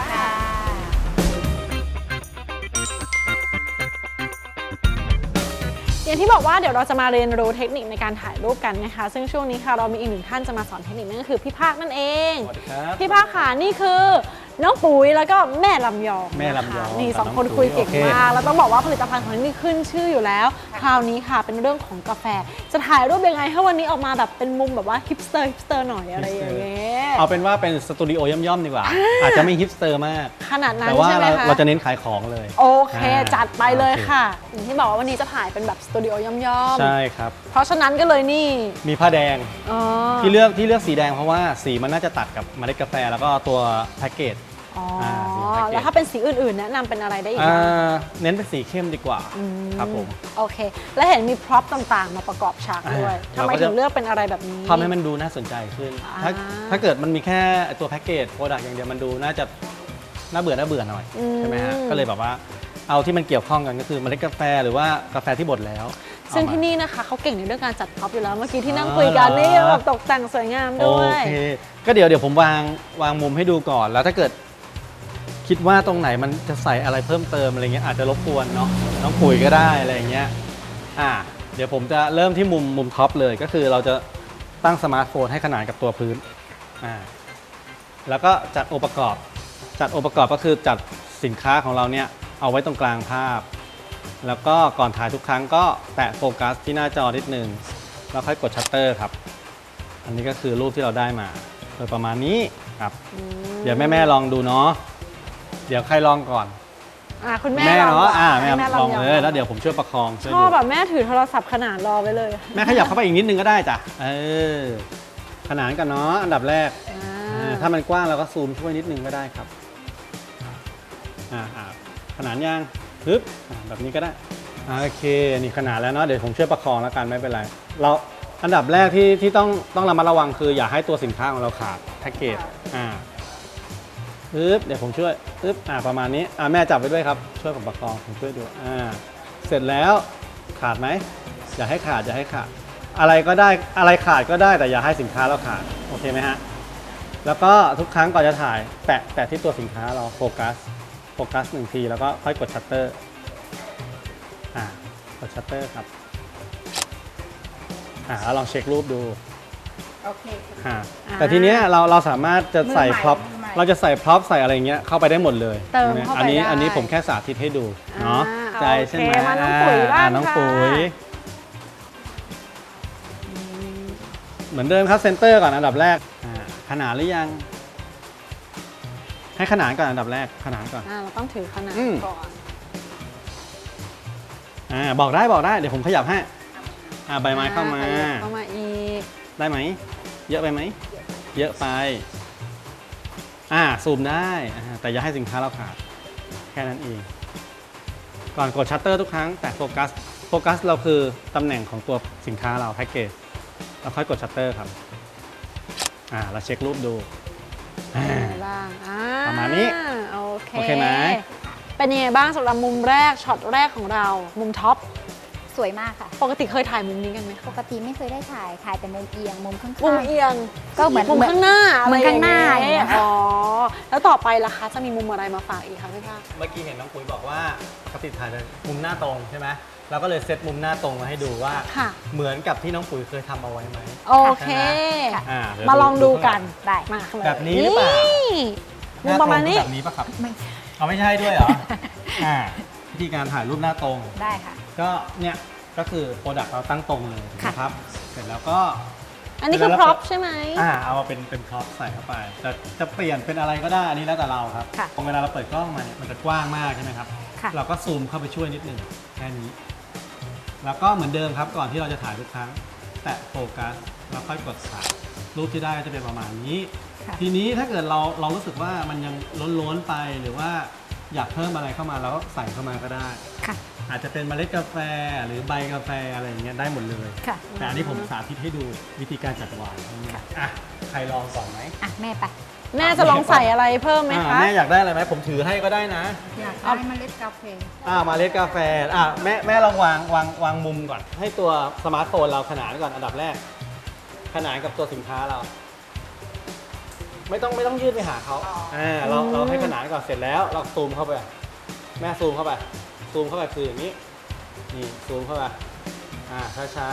Speaker 2: อย่างที่บอกว่าเดี๋ยวเราจะมาเรียนรู้เทคนิคในการถ่ายรูปกันนะคะซึ่งช่วงนี้ค่ะเรามีอีกหนึ่งท่านจะมาสอนเทคนิคนั่นก็คือพี่ภาคนั่นเอง
Speaker 5: สวัสดีครับ
Speaker 2: พี่ภาคค่ะนี่คือน้องปุ๋ยแล้วก็แม่ลำยอง
Speaker 5: แม่ลำยอง
Speaker 2: นี่สองคนคุยเก่งมากแล้วต้องบอกว่าผลิตภัณฑ์ของนี่ขึ้นชื่ออยู่แล้วคราวนี้ค่ะเป็นเรื่องของกาแฟจะถ่ายรูปยังไงให้วันนี้ออกมาแบบเป็นมุมแบบว่าฮิปสเตอร์หน่อยอะไรอย่างเงี้ย
Speaker 5: เอาเป็นว่าเป็นสตูดิโอย่อมๆดีกว่า อาจจะไม่ฮิปสเตอร์มาก
Speaker 2: ขนาดนั้น
Speaker 5: แต่ว่า
Speaker 2: ใช่ไหมคะ
Speaker 5: เราจะเน้นขายของเลย
Speaker 2: โอเคจัดไปเลยค่ะอย่างที่บอกว่าวันนี้จะถ่ายเป็นแบบสตูดิโอย่อม
Speaker 5: ใช่ครับมีผ้าแดง
Speaker 2: อ๋อ
Speaker 5: ที่เลือกสีแดงเพราะว่าสีมันน่าจะตัดกับเมล็ดกาแฟแล้วก็ตัวแพ็กเกจ
Speaker 2: อ๋อ
Speaker 5: สีแพ็กเกจ
Speaker 2: แล้วถ้าเป็นสีอื่นๆแนะนำเป็นอะไรได้อีกบ้าง
Speaker 5: เน้นเป็นสีเข้มดีกว่าครับผม
Speaker 2: โอเค แล้วเห็นมีพร็อพต่างๆ มาประกอบฉากด้วยทำไม
Speaker 5: เราก็จะ
Speaker 2: ถึงเลือกเป็นอะไรแบบนี้
Speaker 5: ทำให้มันดูน่าสนใจขึ้น ถ้าเกิดมันมีแค่ตัวแพ็กเกจโปรดักต์อย่างเดียวมันดูน่าจะน่าเบื่อหน่อยใช่ไหมฮะก็เลยแบบว่าเอาที่มันเกี่ยวข้องกันก็คือเมล็ดกาแฟหรือว่ากาแฟที่บดแล้ว
Speaker 2: ซึ่งที่นี่นะคะเขาเก่งในเรื่องการจัดพร็อพอยู่แล้วเมื่อกี้ที่นั่งคุยกันนี่แบบตกแต่งสวยงาม
Speaker 5: โอ
Speaker 2: ด้วย
Speaker 5: เคก็เดี๋ยวผมวางมุมให้ดูก่อนแล้วถ้าเกิดคิดว่าตรงไหนมันจะใส่อะไรเพิ่มเติมอะไรเงี้ยอาจจะรบกวนเนาะน้องปุ๋ยก็ได้อะไรเงี้ยเดี๋ยวผมจะเริ่มที่มุมท็อปเลยก็คือเราจะตั้งสมาร์ทโฟนให้ขนานกับตัวพื้นแล้วก็จัดองค์ประกอบก็คือจัดสินค้าของเราเนี่ยเอาไว้ตรงกลางภาพ แล้วก็ก่อนถ่ายทุกครั้งก็แตะโฟกัสที่หน้าจอนิดนึงแล้วค่อยกดชัตเตอร์ครับอันนี้ก็คือรูปที่เราได้มาโดยประมาณนี้ครับเดี๋ยวแม่ลองดูเนาะเดี๋ยวใครลองก่อน
Speaker 2: คุณแม่
Speaker 5: เนาะ
Speaker 2: ให้
Speaker 5: แม่ลองเลยแล้วเดี๋ยวผมช่วยประคองช่วย
Speaker 2: ชอบ
Speaker 5: ดู
Speaker 2: แบบแม่ถือโทรศัพท์ขนาดรอไว้เลย
Speaker 5: แม่ขยับเข้าไปอีกนิดนึงก็ได้จ้ะขนานกันเนาะอันดับแรกถ้ามันกว้างเราก็ซูมช่วยนิดนึงก็ได้ครับขนานยังปึ๊บแบบนี้ก็ได้โอเคนี่ขนาดแล้วเนาะเดี๋ยวผมช่วยประคองแล้วกันไม่เป็นไรเราอันดับแรกที่ต้องระมัดระวังคืออย่าให้ตัวสินค้าของเราขาดแพ็กเกจปึ๊บเดี๋ยวผมช่วยปึ๊บประมาณนี้แม่จับไว้ด้วยครับช่วยผมประคองผมช่วยดูเสร็จแล้วขาดไหมอย่าให้ขาดอะไรก็ได้อะไรขาดก็ได้แต่อย่าให้สินค้าเราขาดโอเคไหมฮะแล้วก็ทุกครั้งก่อนจะถ่ายแตะที่ตัวสินค้าเราโฟกัส1 ทีแล้วก็ค่อยกดชัตเตอร์กดชัตเตอร์ครับแล้วลองเช็ครูปดู
Speaker 4: โอเค
Speaker 5: แต่ทีเนี้ยเราสามารถจะใส่พร็อพ
Speaker 4: มือใหม่
Speaker 5: เราจะใส่พร็อพใส่อะไรเงี้ยเข้าไปได้หมดเลย
Speaker 2: เติมเข้าไปได้
Speaker 5: อันนี้ผมแค่สาธิตให้ดูเนาะใจใช่ไหม
Speaker 2: โอเคมาน้องปุ๋ยบ้าง
Speaker 5: น้อง
Speaker 2: ค่ะ
Speaker 5: ปุ๋ยเหมือนเดิมครับเซนเตอร์ก่อนอันดับแรกขนานหรือยังให้ขนานก่อนอันดับแรกขนานก่อน
Speaker 2: เราต้องถือขนาดก่อน
Speaker 5: บอกได้เดี๋ยวผมขยับให้ใบไม้เข้ามา
Speaker 2: อีก
Speaker 5: ได้ไหมเยอะไปไหมเยอะไปซูมได้แต่อย่าให้สินค้าเราขาดแค่นั้นเองก่อนกดชัตเตอร์ทุกครั้งแต่โฟกัสเราคือตำแหน่งของตัวสินค้าเราแพ็กเกจเราค่อยกดชัตเตอร์ครับเราเช็ครูปดู
Speaker 2: บ้าง
Speaker 5: ประมาณนี้
Speaker 2: โอเค
Speaker 5: ไหม
Speaker 2: เป็นยังไงบ้างสำหรับมุมแรกช็อตแรกของเรามุมท็อป
Speaker 3: สวยมากค่ะ
Speaker 2: ปกติเคยถ่ายมุมนี้กันไหม
Speaker 3: ปกติไม่เคยได้ถ่ายแต่มุมเอียงมุมข้าง
Speaker 2: มุมเอียง
Speaker 3: ก็เหมือน
Speaker 2: มุมข้างหน้า
Speaker 3: เหมือนข้างหน้า
Speaker 2: อะไรอย่างเงี้ย
Speaker 3: อย่างเงี้ย
Speaker 2: อ๋อแล้วต่อไปล่ะคะจะมีมุมอะไรมาฝากอีกคะพี่ภาค
Speaker 5: เมื่อกี้เห็นน้องปุ๋ยบอกว่าปกติถ่ายแต่มุมหน้าตรงใช่ไหมเราก็เลยเซตมุมหน้าตรงมาให้ดูว่า
Speaker 2: ค่ะ
Speaker 5: เหมือนกับที่น้องปุ๋ยเคยทำเอาไว้ไหม
Speaker 2: โอเค
Speaker 5: เดี๋ยว
Speaker 2: มาลองดูกัน
Speaker 3: ได้
Speaker 2: มาเลย
Speaker 5: แบบนี้หรือเปล่า
Speaker 2: มุมประมาณนี้
Speaker 5: แบบนี้ปะครับ
Speaker 3: ไม่
Speaker 5: เอาไม่ใช่ด้วยเหรอ วิธีการถ่ายรูปหน้าตรง
Speaker 3: ได้ค่ะ
Speaker 5: ก็เนี่ยก็คือโปรดักต์เราตั้งตรงเลยนะครับ เสร็จแล้วก็
Speaker 2: อันนี้คือพร็อพใช่ไหม
Speaker 5: เอามาเป็นพร็อพใส่เข้าไปแต่จะเปลี่ยนเป็นอะไรก็ได้อันนี้แล้วแต่เราครับ
Speaker 3: ค่ะ
Speaker 5: พอเวลาเราเปิดกล้องมาเนี่ยมันจะกว้างมากใช่ไหมครับ
Speaker 3: ค่ะ
Speaker 5: เราก็ซูมเข้าไปช่วยนิดหนึ่งแค่นี้ แล้วก็เหมือนเดิมครับก่อนที่เราจะถ่ายทุกครั้งแตะโฟกัสแล้วค่อยกดถ่ายรูปที่ได้ก็จะเป็นประมาณนี้
Speaker 3: ค่ะ
Speaker 5: ทีนี้ถ้าเกิดเรารู้สึกว่ามันยังล้นๆไปหรือว่าอยากเพิ่มอะไรเข้ามาเราก็ใส่เข้ามาก็ได้
Speaker 3: ค่ะ
Speaker 5: อาจจะเป็นเมล็ดกาแฟหรือใบกาแฟอะไรอย่างเงี้ยได้หมดเลย
Speaker 3: ค่ะ
Speaker 5: แต่อันนี้ผมสาธิตให้ดูวิธีการจัดวางอ่ะใครลองก่อนไหม
Speaker 3: อ่ะแม่ไป
Speaker 2: แม่จะลองใส่อะไรเพิ่มไหมคะ
Speaker 5: แม่อยากได้อะไรไหมผมถือให้ก็ได้นะ
Speaker 3: อยากได้เมล็ดกาแฟ
Speaker 5: เมล็ดกาแฟแม่ลองวางมุมก่อน ให้ตัวสมาร์ทโฟนเราขนานก่อนอันดับแรก ขนานกับตัวสินค้าเรา ไม่ต้องยืดไปหาเขาเราให้ขนานก่อนเสร็จแล้วเราซูมเข้าไปแม่ซูมเข้าไปคืออย่างนี้นี่ซูมเข้าไปช้า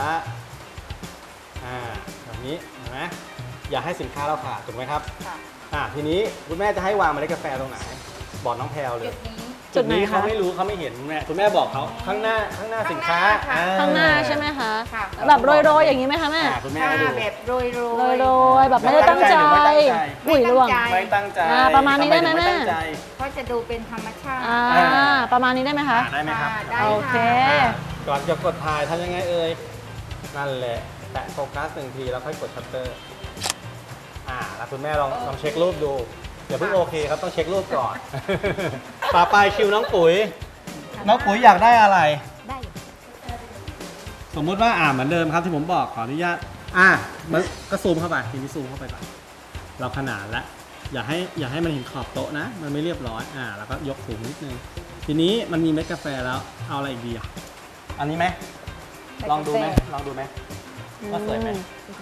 Speaker 5: แบบนี้เห็นไหมอย่าให้สินค้าเราขาดถูกไหมครับทีนี้คุณแม่จะให้วางเมล็ดกาแฟตรงไหนบอกน้องแพลวเลย
Speaker 2: จุดไหนคะ
Speaker 5: เขาไม่รู้เขาไม่เห็นคุณแม่บอกเขาข้างหน้าสินค้า
Speaker 2: ข้างหน้าใช่ไหมคะ
Speaker 3: ค่ะ
Speaker 2: แบบโรยๆอย่างนี้ไหมคะแม่
Speaker 5: คุณแม่ให้ดู
Speaker 3: แบบโรย
Speaker 2: โรยๆแบบไม่ได้ตั้งใจ
Speaker 5: ไม่ตั้งใจ
Speaker 2: หุ่ยล่วง
Speaker 5: ไม่ตั้งใจ
Speaker 2: ประมาณนี้ได้ไหม
Speaker 5: ทำ
Speaker 2: แม่
Speaker 5: ถึงตั้งใจ
Speaker 3: ก็จะดูเป็นธรรมชาติ
Speaker 2: ประมาณนี้ได้ไหมคะ
Speaker 5: ได้ไหมครับ
Speaker 3: ได้
Speaker 2: โอเค
Speaker 5: ก่อนจะกดถ่ายทำยังไงเอ่ยนั่นแหละแตะโฟกัสหนึ่งทีแล้วค่อยกดชัตเตอร์แล้วคุณแม่ลองเช็ครูปดูอย่าเพิ่งโอเคครับต้องเช็ครูปก่อน ต่อไปคิวน้องปุ๋ยอยากได้อะไร
Speaker 3: ได้อยู่
Speaker 5: สมมุติว่าเหมือนเดิมครับที่ผมบอกขออนุญาตมันก็ซูมเข้าไปทีนี้ซูมเข้าไปก่อนเราขนานแล้วอย่าให้มันเห็นขอบโต๊ะนะมันไม่เรียบร้อยแล้วก็ยกสูงนิดนึงทีนี้มันมีเม็ดกาแฟแล้วเอาอะไรอีกดีอันนี้ไหมลองดูไหมว่าสวยไหม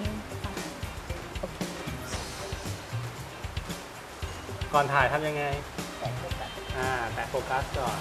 Speaker 5: ก่อนถ่ายทำยังไงแตะโฟกัสก่อน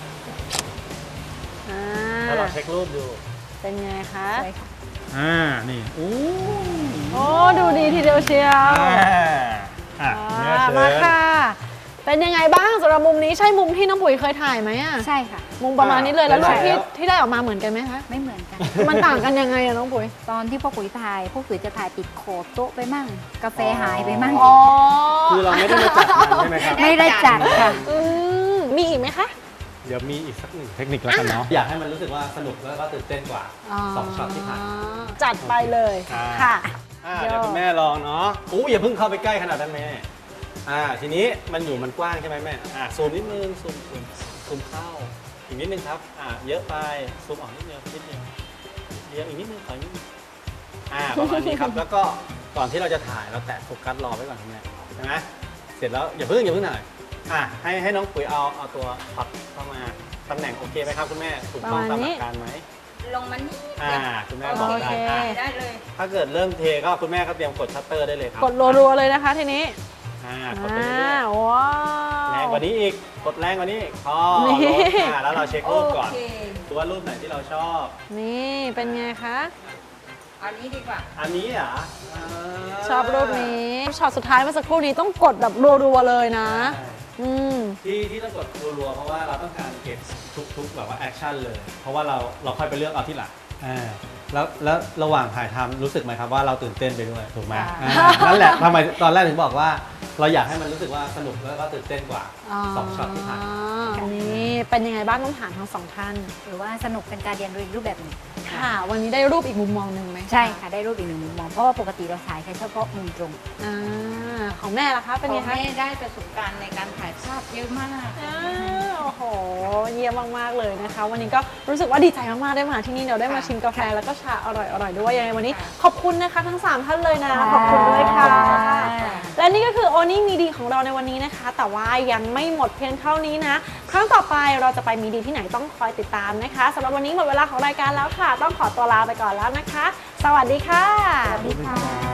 Speaker 5: แล้วเราเช็ครูปดู
Speaker 2: เป็นไงคะ
Speaker 3: สวยค่ะ
Speaker 5: นี่โอ้
Speaker 2: ดูดีทีเดียวเชียว มาค่ะ เป็นยังไงบ้างสำหรับมุมนี้ใช่มุมที่น้องปุ๋ยเคยถ่ายไหมอะ
Speaker 3: ใช่ค่ะ
Speaker 2: มุมประมาณนี้เลยแล้วรูปที่ได้ออกมาเหมือนกันไหมคะ
Speaker 3: ไม่เหมือนกัน
Speaker 2: มันต่างกันยังไงอะน้องปุ๋ย
Speaker 3: ตอนที่พ่อปุ๋ยถ่ายพ่อปุ๋ยจะถ่ายติดขอบโต๊ะไปมั่ง กาแฟหายไปมั่ง
Speaker 5: คือเราไม่ได้มาจัดมันใช่ไหมครับ
Speaker 3: ไม่ได้จัดค่ะ
Speaker 2: มีอีกไหมคะ
Speaker 5: เดี๋ยวมีอีกสักหนึ่งเทคนิคแล้วกันเนาะอยากให้มันรู้สึกว่าสนุกแล้วก็ตื่นเต้นกว่า2ช็อตที่ผ่าน
Speaker 2: จัดไปเลยค่ะ
Speaker 5: เดี๋ยวคุณแม่ลองเนาะอย่าเพิ่งเข้าไปใกล้ขนาดนั้นแม่ทีนี้มันกว้างใช่ไหมแม่ซูมนิดนึงซูมเข้าอีกนิดนึงครับเยอะไปซูมออกนิดเดียวเดียวอีกนิดนึงขออีกนิดนึงประมาณนี้ครับแล้วก็ก่อนที่เราจะถ่ายเราแตะโฟกัสรอไว้ก่อนคุณแม่ใช่ไหมเสร็จแล้วอย่าเพิ่งหน่อยให้น้องปุ๋ยเอาตัวช็อตเข้ามาตำแหน่งโอเคไหมครับคุณแม่ถูกต้องตามหลักการไหม
Speaker 3: ลงมานี่
Speaker 5: คุณแม่บอก
Speaker 2: โอเค
Speaker 3: ได้เลย
Speaker 5: ถ้าเกิดเริ่มเทก็คุณแม่ก็เตรียมกดชัตเตอร์ได้เลยครับ
Speaker 2: กดรัวๆเลยนะคะทีนี้
Speaker 5: กดไปเรื่อย
Speaker 2: ว้าว
Speaker 5: ๆแรงกว่านี้อีกกดแรงกว่านี้พอ
Speaker 2: นี่
Speaker 5: ลดแล้วเราเช็ครูปก่อนดูว่ารูปไหนที่เราชอบ
Speaker 2: นี่เป็นไงคะ
Speaker 3: อันนี้ดีกว่า
Speaker 5: อันนี้เหรอ
Speaker 2: ชอบรูปนี้ช็อตสุดท้ายเมื่อสักครู่นี้ต้องกดแบบรัวๆเลยนะ
Speaker 5: ที่ต้องกดรัวๆเพราะว่าเราต้องการเก็บทุกแบบว่าแอคชั่นเลย เพราะว่าเราค่อยไปเลือกเอาที่หลังแล้วระหว่างถ่ายทำรู้สึกไหมครับว่าเราตื่นเต้นไปด้วยถูกไหมนั่นแหละทำไมตอนแรกถึงบอกว่าเราอยากให้มันรู้สึกว่าสนุกแล้วก็ตื่นเต้นกว่า2ช็อตที่ผ่าน
Speaker 2: นี่เป็นยังไงบ้างต้องถามทั้งสองท่าน
Speaker 3: หรือว่าสนุกเป็นการเรียนรู้อีกรูปแบบหนึ่ง
Speaker 2: ค่ะ วันนี้ได้รูปอีกมุมมองหนึ่งไหม
Speaker 3: ใช่ค่ะ ได้รูปอีกหนึ่งมุมมอง เพราะว่าปกติเราถ่ายแค่เฉพาะมุมตรง
Speaker 2: ของแม่ล่ะคะเป็นไงคะ
Speaker 4: แม่ได้ประสบการณ์ในการถ่ายภาพเยอะมาก
Speaker 2: โอ้โห เยี่ยมมากๆเลยนะคะ วันนี้ก็รู้สึกว่าดีใจมากๆได้มาที่นี่เดี๋ยวได้มาชิมกาแฟแล้วก็ชาอร่อยๆด้วยยังไงวันนี้ขอบคุณนะคะทั้ง3ท่านเลยนะขอบคุณด้วยค่ะ และนี่ก็คือโอนี่มีดีของเราในวันนี้นะคะ แต่ว่ายังไม่หมดเพียงเท่านี้นะ ครั้งต่อไปเราจะไปมีดีที่ไหนต้องคอยติดตามนะคะสำหรับวันนี้หมดเวลาของรายการแล้วค่ะ ต้องขอตัวลาไปก่อนแล้วนะคะ สวัสดีค่ะ
Speaker 3: สวัสดีค่ะ